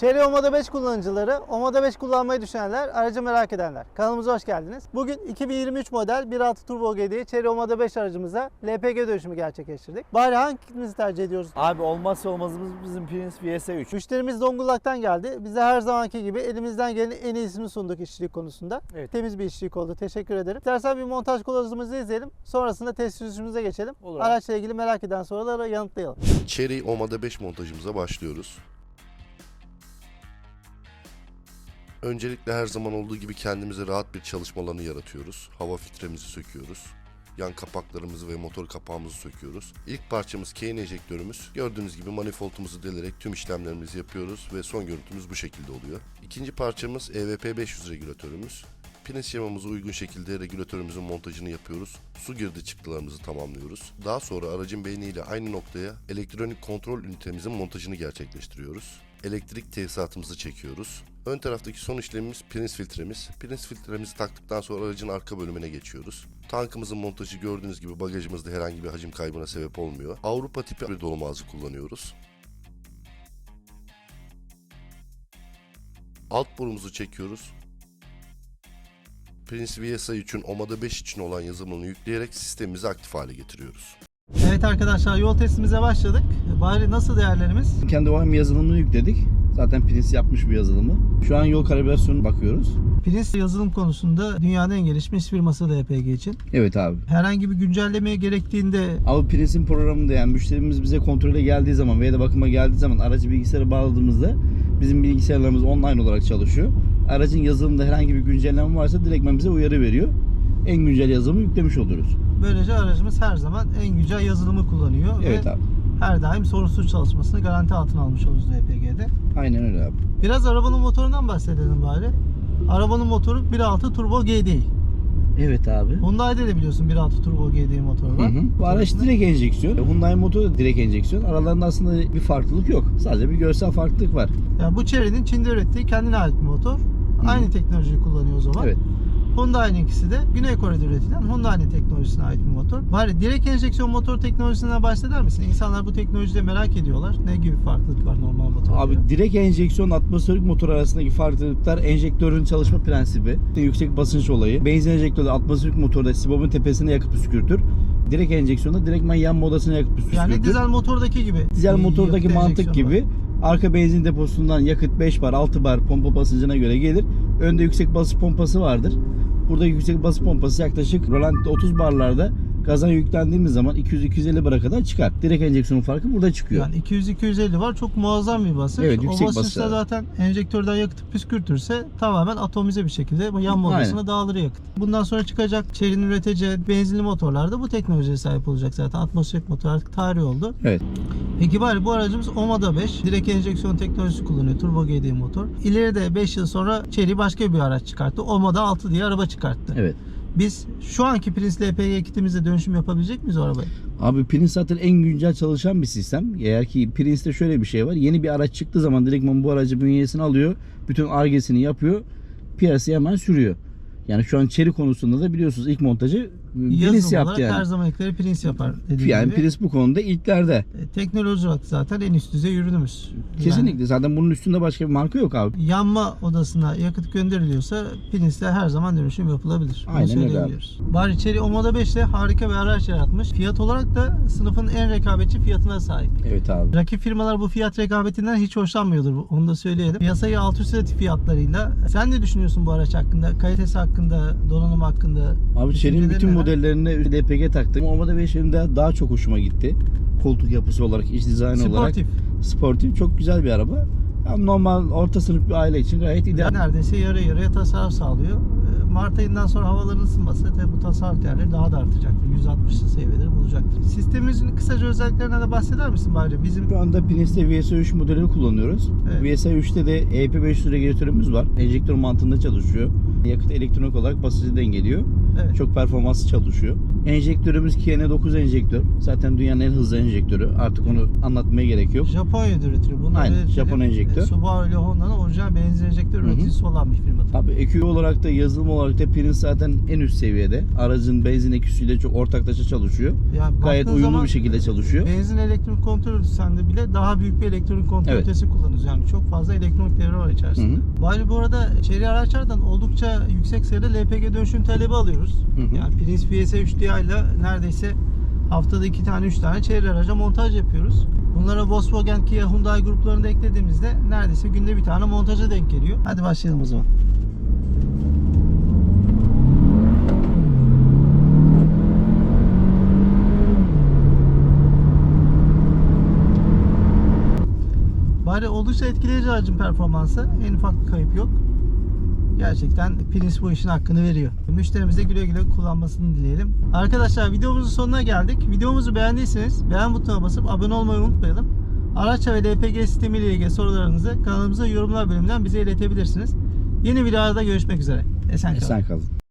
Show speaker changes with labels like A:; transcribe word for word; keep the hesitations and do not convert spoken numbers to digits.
A: Chery Omoda beş kullanıcıları, Omoda beş kullanmayı düşünenler, aracı merak edenler. Kanalımıza hoş geldiniz. Bugün iki bin yirmi üç model bir nokta altı Turbo G D'yi Chery Omoda beş aracımıza L P G dönüşümü gerçekleştirdik. Bari hangimizi tercih ediyoruz?
B: Abi olmazsa olmazımız bizim Prince V S üç.
A: Müşterimiz Zonguldak'tan geldi. Biz de her zamanki gibi elimizden gelenin en iyisini sunduk işçilik konusunda.
B: Evet.
A: Temiz bir işçilik oldu. Teşekkür ederim. İstersen bir montaj kılavuzumuzu izleyelim. Sonrasında test sürüşümüze geçelim.
B: Olur abi.
A: Araçla ilgili merak eden soruları yanıtlayalım.
C: Chery Omoda beş montajımıza başlıyoruz. Öncelikle her zaman olduğu gibi kendimize rahat bir çalışma alanı yaratıyoruz. Hava filtremizi söküyoruz. Yan kapaklarımızı ve motor kapağımızı söküyoruz. İlk parçamız Kane enjektörümüz. Gördüğünüz gibi manifoldumuzu delerek tüm işlemlerimizi yapıyoruz ve son görüntümüz bu şekilde oluyor. İkinci parçamız E V P beş yüz regülatörümüz. Pin şemamıza uygun şekilde regülatörümüzün montajını yapıyoruz. Su girdi çıktılarımızı tamamlıyoruz. Daha sonra aracın beyniyle aynı noktaya elektronik kontrol ünitemizin montajını gerçekleştiriyoruz. Elektrik tesisatımızı çekiyoruz. Ön taraftaki son işlemimiz Prince filtremiz. Prince filtremizi taktıktan sonra aracın arka bölümüne geçiyoruz. Tankımızın montajı gördüğünüz gibi bagajımızda herhangi bir hacim kaybına sebep olmuyor. Avrupa tipi bir dolum ağzı kullanıyoruz. Alt borumuzu çekiyoruz. Prince V S üçün Omoda beş için olan yazılımını yükleyerek sistemimizi aktif hale getiriyoruz.
A: Evet arkadaşlar, yol testimize başladık. Bari nasıl değerlerimiz?
D: Kendi O M yazılımını yükledik. Zaten Prince yapmış bu yazılımı. Şu an yol kalibrasyonuna bakıyoruz.
A: Prince yazılım konusunda dünyanın en gelişmiş firması L P G için.
D: Evet abi.
A: Herhangi bir güncellemeye gerektiğinde
D: Ama Prince'in programında yani müşterimiz bize kontrole geldiği zaman veya da bakıma geldiği zaman aracı bilgisayara bağladığımızda bizim bilgisayarlarımız online olarak çalışıyor. Aracın yazılımında herhangi bir güncelleme varsa direktmen bize uyarı veriyor. En güncel yazılımı yüklemiş oluruz.
A: böylece aracımız her zaman en güncel yazılımı kullanıyor.
D: Evet
A: ve
D: abi.
A: her daim sorunsuz çalışmasını garanti altına almış oluruz L P G'de.
D: Aynen öyle abi.
A: Biraz arabanın motorundan bahsedelim bari. Arabanın motoru bir nokta altı Turbo G D.
D: Evet abi.
A: Hyundai'de de biliyorsun bir nokta altı Turbo G D motoru var.
D: Hı hı. Bu araç direkt enjeksiyon. Hyundai motoru da direkt enjeksiyon. Aralarında aslında bir farklılık yok. Sadece bir görsel farklılık var.
A: Yani bu Chery'nin Çin'de ürettiği kendine ait bir motor.
D: Hı.
A: Aynı teknolojiyi kullanıyor o zaman.
D: Evet.
A: Hyundai'ninkisi de Güney Kore'de üretilen Hyundai'nin teknolojisine ait bir motor. Bari direkt enjeksiyon motor teknolojisinden bahseder misin? İnsanlar bu teknolojide merak ediyorlar. Ne gibi farklılık var normal motorda?
D: Abi direkt enjeksiyon atmosferik motor arasındaki farklılıklar enjektörün çalışma prensibi, yüksek basınç olayı. Benzin enjektörü atmosferik motorda sibobun tepesine yakıp püskürtür. Direkt enjeksiyonda direktmen yan modasına yakıp püskürtür.
A: Yani dizel motordaki gibi.
D: Dizel motordaki
A: Yakıt
D: mantık
A: enjeksiyonu
D: gibi.
A: var.
D: Arka benzin deposundan yakıt beş bar, altı bar pompa basıncına göre gelir. Önde yüksek basınç pompası vardır. Burada yüksek basınç pompası yaklaşık rolanti'de otuz barlarda gaza yüklendiğimiz zaman iki yüz iki yüz elli bara kadar çıkar. Direkt enjeksiyonun farkı burada çıkıyor.
A: Yani iki yüz iki yüz elli var. Çok muazzam bir basınç.
D: Evet, yüksek
A: o basınçta
D: basınç.
A: zaten enjektörden yakıtı püskürtürse tamamen atomize bir şekilde yan modasına
D: Aynen.
A: dağılır yakıt. Bundan sonra çıkacak Chery'nin üreteceği benzinli motorlarda bu teknolojiye sahip olacak zaten. Atmosferik motor artık tarih oldu.
D: Evet.
A: Peki bari bu aracımız Omoda beş. Direkt enjeksiyon teknolojisi kullanıyor. Turbo G D motor. İleride beş yıl sonra Chery başka bir araç çıkarttı. Omoda altı diye araba çıkarttı.
D: Evet.
A: Biz şu anki Prince L P G kitimizle dönüşüm yapabilecek miyiz o arabaya?
D: Abi Prince zaten en güncel çalışan bir sistem. Eğer ki Prince'te şöyle bir şey var. Yeni bir araç çıktığı zaman direktman bu aracı bünyesine alıyor. Bütün Ar-Ge'sini yapıyor. Piyasaya hemen sürüyor. Yani şu an Chery konusunda da biliyorsunuz ilk montajı Prince
A: Yazılım
D: yaptı
A: olarak
D: yani.
A: her zamankileri Prince yapar dediğim
D: Yani
A: gibi.
D: Prince bu konuda ilklerde.
A: E, Teknoloji olarak zaten en üst düzey ürünümüz.
D: Kesinlikle.
A: Yani
D: Zaten bunun üstünde başka bir marka yok abi.
A: yanma odasına yakıt gönderiliyorsa Prince'le her zaman dönüşüm yapılabilir. Bunu
D: Aynen öyle
A: söyleyebiliriz. Bari Chery Omoda beş ile harika bir araç yaratmış. Fiyat olarak da sınıfın en rekabetçi fiyatına sahip.
D: Evet abi.
A: Rakip firmalar bu fiyat rekabetinden hiç hoşlanmıyordur. Onu da söyleyelim. Piyasayı alt üst etti fiyatlarıyla. Sen ne düşünüyorsun bu araç hakkında? Kalitesi hakkında, donanım hakkında?
D: Abi Chery'nin
A: Düşüncelerin
D: bütün
A: neler?
D: modellerine L P G taktım. Omoda beşin de daha çok hoşuma gitti. Koltuk yapısı olarak, iç dizayn olarak.
A: Sportif.
D: Sportif. Çok güzel bir araba. Yani normal orta sınıf bir aile için gayet ideal.
A: Neredeyse yarı yarıya tasarruf sağlıyor. Ee, Mart ayından sonra havaların ısınması tabi bu tasarruf değerleri daha da artacaktır. yüz altmışlı seviyeleri bulacaktır. Sistemimizin kısaca özelliklerinden de bahseder misin bari? Bizim
D: Şu anda Prince'te V S üç modelini kullanıyoruz.
A: Evet.
D: V S üçte de E P beş yüz regülatörümüz var. Enjektör mantığında çalışıyor. Yakıt elektronik olarak basıncı dengeliyor.
A: Evet.
D: Çok performanslı çalışıyor. Enjektörümüz K N dokuz enjektör. Zaten dünyanın en hızlı enjektörü. Artık onu anlatmaya gerek yok.
A: Japonya'da üretiliyor. Bunları
D: Aynen,
A: belirtelim.
D: Japon enjektör.
A: E, Subaru ile Honda'nın orijinal benzin enjektör
D: Hı hı.
A: üreticisi olan bir firma.
D: Abi E Q olarak da yazılım olarak da Prince zaten en üst seviyede. Aracın benzin E Q'süyle çok ortaklaşa çalışıyor.
A: Yani
D: Gayet
A: baktığın
D: uyumlu
A: zaman
D: bir şekilde çalışıyor.
A: Benzin elektronik kontrol ünitesinde bile daha büyük bir elektronik kontrol
D: Evet.
A: ünitesi kullanıyoruz. Yani çok fazla elektronik devre var içerisinde.
D: Hı hı.
A: Bari bu arada içeri araçlardan oldukça yüksek sayıda L P G dönüşüm talebi alıyoruz.
D: Hı hı.
A: Yani Prince V S üç D I ile neredeyse haftada iki tane üç tane çevre araca montaj yapıyoruz. Bunlara Volkswagen, Kia, Hyundai gruplarını da eklediğimizde neredeyse günde bir tane montaja denk geliyor. Hadi başlayalım o zaman. Bari oldukça etkileyici aracın performansı. En ufak bir kayıp yok. Gerçekten Prince bu işin hakkını veriyor. Müşterimize güle güle kullanmasını dileyelim. Arkadaşlar videomuzun sonuna geldik. Videomuzu beğendiyseniz beğen butonuna basıp abone olmayı unutmayalım. Araç ve L P G sistemi ile ilgili sorularınızı kanalımıza yorumlar bölümünden bize iletebilirsiniz. Yeni videolarda görüşmek üzere. Esen kalın.
D: Esen kalın.